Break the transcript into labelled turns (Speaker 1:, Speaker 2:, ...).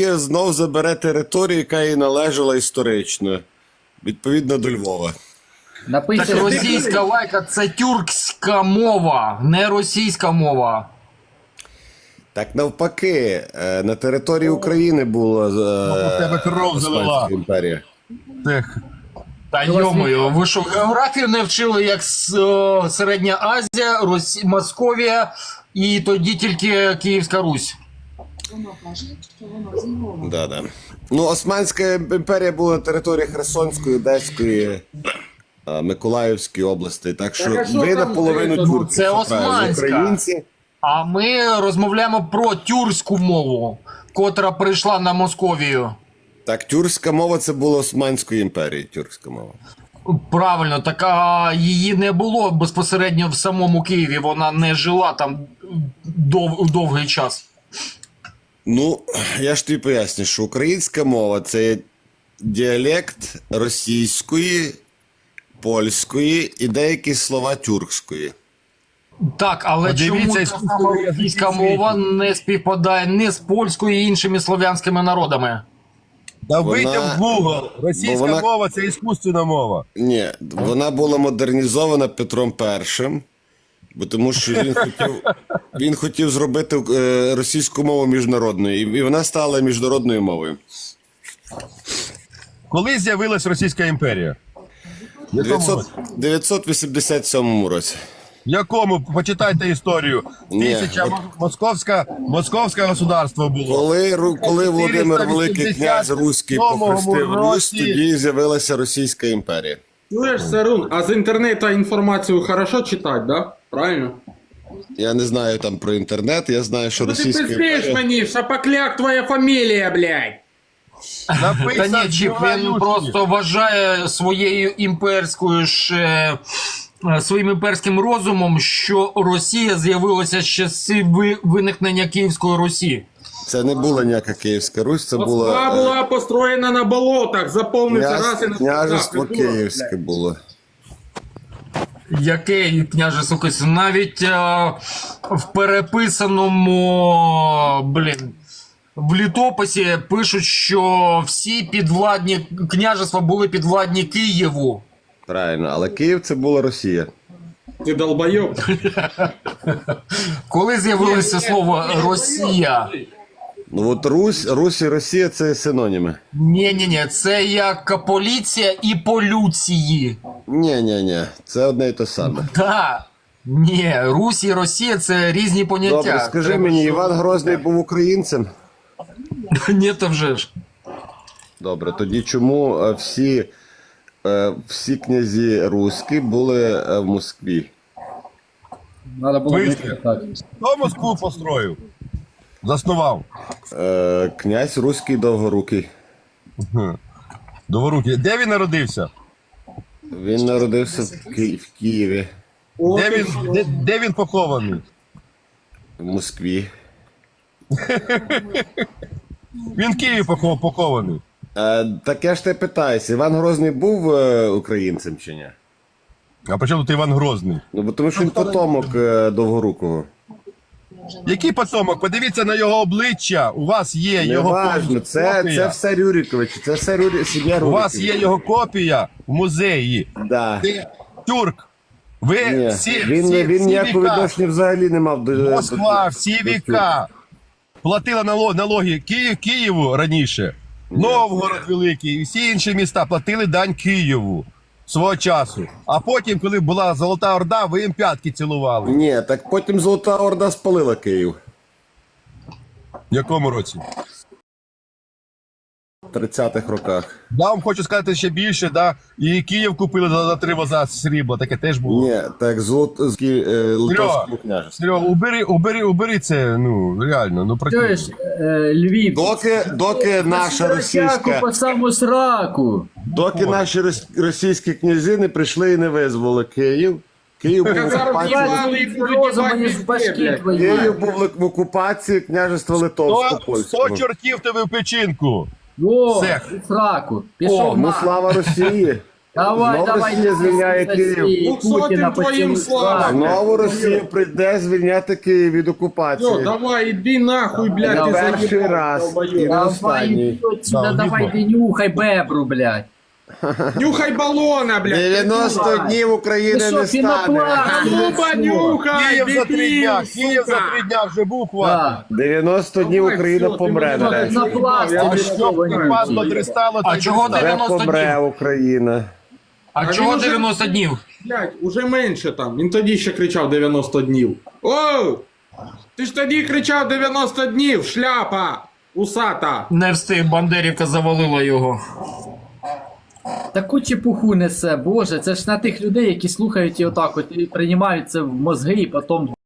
Speaker 1: Росія знов забере територію, яка їй належала історично, відповідно до Львова.
Speaker 2: Так російська лайка – це тюркська мова, не російська мова.
Speaker 1: Так навпаки, на території України була Османська імперія.
Speaker 2: Та йомою, ви що, географію не вчили, як Середня Азія, Московія і тоді тільки Київська Русь?
Speaker 1: Да. Ну, Османська імперія була на території Херсонської, Одеської, Миколаївської області, так що ви наполовину тюрки.
Speaker 2: Це османська.
Speaker 1: Українці.
Speaker 2: А ми розмовляємо про тюркську мову, котра прийшла на Московію.
Speaker 1: Так, тюркська мова це була Османської імперії, тюркська мова.
Speaker 2: Правильно, так а її не було безпосередньо в самому Києві, вона не жила там довгий час.
Speaker 1: Ну, я ж тобі поясню, що українська мова – це діалект російської, польської і деякі слова тюркської.
Speaker 2: Так, але чому та сама російська мова не співпадає ні з польською і іншими слов'янськими народами?
Speaker 3: Да вийдемо в Google. Російська мова – це іскусственна мова.
Speaker 1: Ні, вона була модернізована Петром І, бо тому що він хотів зробити російську мову міжнародною, і вона стала міжнародною мовою.
Speaker 3: Коли з'явилась Російська імперія?
Speaker 1: В 987 році.
Speaker 3: В якому? Почитайте історію. Московське государство було.
Speaker 1: Коли Володимир Великий князь Руський похрестив Русь, тоді з'явилася Російська імперія.
Speaker 4: Слышь, Сарун, а з інтернету інформацію хорошо читати, да? Правильно?
Speaker 1: Я не знаю там про інтернет, я знаю, що Російська імперія...
Speaker 4: Ти пиздиш мені, Шапокляк твоя фамілія, блядь!
Speaker 2: Та ні, Чіп, він просто вважає своєю своїм імперським розумом, що Росія з'явилася з часів виникнення Київської Русі.
Speaker 1: Це не була ніяка Київська Русь, це
Speaker 4: Москва була построєна на болотах, запомниться раз і на
Speaker 1: княжество Київське було.
Speaker 2: Яке княжество Київське? Навіть в переписаному, в літописі пишуть, що всі підвладні княжества були підвладні Києву.
Speaker 1: Правильно, але Київ це була Росія.
Speaker 4: Ти долбойоб.
Speaker 2: Коли з'явилося слово «Росія»?
Speaker 1: Ну от Русь і Росія це синоніми.
Speaker 2: Ні, це як поліція і полюції.
Speaker 1: Ні, це одне і те саме.
Speaker 2: Так. Ні, Русь і Росія це різні поняття.
Speaker 1: Добре, скажи мені, Іван Грозний був українцем?
Speaker 2: Ні, то вже ж.
Speaker 1: Добре, тоді чому всі князі руські були в Москві?
Speaker 2: Надо було
Speaker 3: Хто Москву построїв? Заснував?
Speaker 1: Князь Руський Довгорукий.
Speaker 3: Довгорукий. Де він народився?
Speaker 1: Він народився в Києві.
Speaker 3: Де він похований?
Speaker 1: В Москві.
Speaker 3: Він в Києві похований.
Speaker 1: Так я ж тебе питаюся, Іван Грозний був українцем чи ні?
Speaker 3: А при чому тут Іван Грозний?
Speaker 1: Ну, бо тому що він потомок Довгорукого.
Speaker 3: Який потомок? Подивіться на його обличчя. У вас є його
Speaker 1: Неважно, це все Рюриковичі, це все сім'я Рюриковичів.
Speaker 3: У вас є його копія в музеї.
Speaker 1: Да.
Speaker 3: Ти тюрк. Ви
Speaker 1: Ні,
Speaker 3: всі
Speaker 1: він ніякого
Speaker 3: віка.
Speaker 1: відношення взагалі не мав до...
Speaker 3: Москва, всі віка платила налоги Києву раніше. Новгород Великий і всі інші міста платили дань Києву свого часу. А потім, коли була Золота Орда, ви їм п'ятки цілували.
Speaker 1: Ні, так потім Золота Орда спалила Київ.
Speaker 3: В якому році?
Speaker 1: В 30-х роках.
Speaker 3: Да, вам хочу сказати ще більше, да. І Київ купили за 3 воза срібла, таке теж було.
Speaker 1: Ні, так Литовському княжеству.
Speaker 3: Серега, убери це, ну, реально, ну
Speaker 5: Чуєш, Львів,
Speaker 1: Доки наша російська...
Speaker 5: по саму сраку.
Speaker 1: Доки наші російські князі не прийшли і не визволи Київ. Київ був в окупації княжества Литовсько-Польського.
Speaker 3: 100 чортів тебе в печінку.
Speaker 5: О,
Speaker 3: Сех.
Speaker 5: сраку. Пішов
Speaker 1: Ну
Speaker 5: на.
Speaker 1: слава Росії.
Speaker 5: Давай,
Speaker 1: Знову
Speaker 5: давай,
Speaker 1: Росія звільняє
Speaker 5: Росії,
Speaker 1: Київ.
Speaker 5: Путіна
Speaker 4: Твоїм
Speaker 5: поцілуй.
Speaker 4: слава.
Speaker 1: Знову Росія прийде звільняти Київ від
Speaker 4: Все,
Speaker 1: окупації.
Speaker 4: давай, іди нахуй, блядь,
Speaker 1: Не
Speaker 4: ти
Speaker 1: перший
Speaker 4: заїбав,
Speaker 1: раз.
Speaker 4: долбойоб.
Speaker 1: І не
Speaker 5: Давай,
Speaker 1: останній.
Speaker 5: іди отсюда,
Speaker 3: Да,
Speaker 5: давай,
Speaker 3: видно.
Speaker 5: ти нюхай бебру, блядь.
Speaker 4: Нюхай балона, блядь.
Speaker 1: 90 днів України
Speaker 5: Ти що,
Speaker 1: не стане.
Speaker 5: пінопласт?
Speaker 4: Ну, понюхай,
Speaker 3: Київ за 3 дня,
Speaker 4: дебіл,
Speaker 3: Київ за
Speaker 4: сука.
Speaker 3: 3 дня вже був хватить.
Speaker 5: Да.
Speaker 1: 90 днів
Speaker 4: Давай,
Speaker 1: Україна
Speaker 4: все,
Speaker 1: помре
Speaker 4: ти мене
Speaker 1: нарешті.
Speaker 5: На пласті,
Speaker 4: Я
Speaker 3: А
Speaker 5: ви
Speaker 4: тобі
Speaker 3: що
Speaker 5: що,
Speaker 3: б падло
Speaker 5: вонючий?
Speaker 3: дристало,
Speaker 2: А чого
Speaker 1: Вже
Speaker 2: 90
Speaker 1: помре
Speaker 2: днів?
Speaker 1: Україна.
Speaker 2: А
Speaker 4: А
Speaker 2: чого
Speaker 4: він уже-
Speaker 2: 90 днів?
Speaker 4: Блядь, уже менше там. Він тоді ще кричав 90 днів. Оу! Ти ж тоді кричав 90 днів, шляпа! Усата!
Speaker 2: Не встиг, Бандерівка завалила його.
Speaker 5: Таку чепуху несе, боже, це ж на тих людей, які слухають і отак от і приймають це в мозги і потім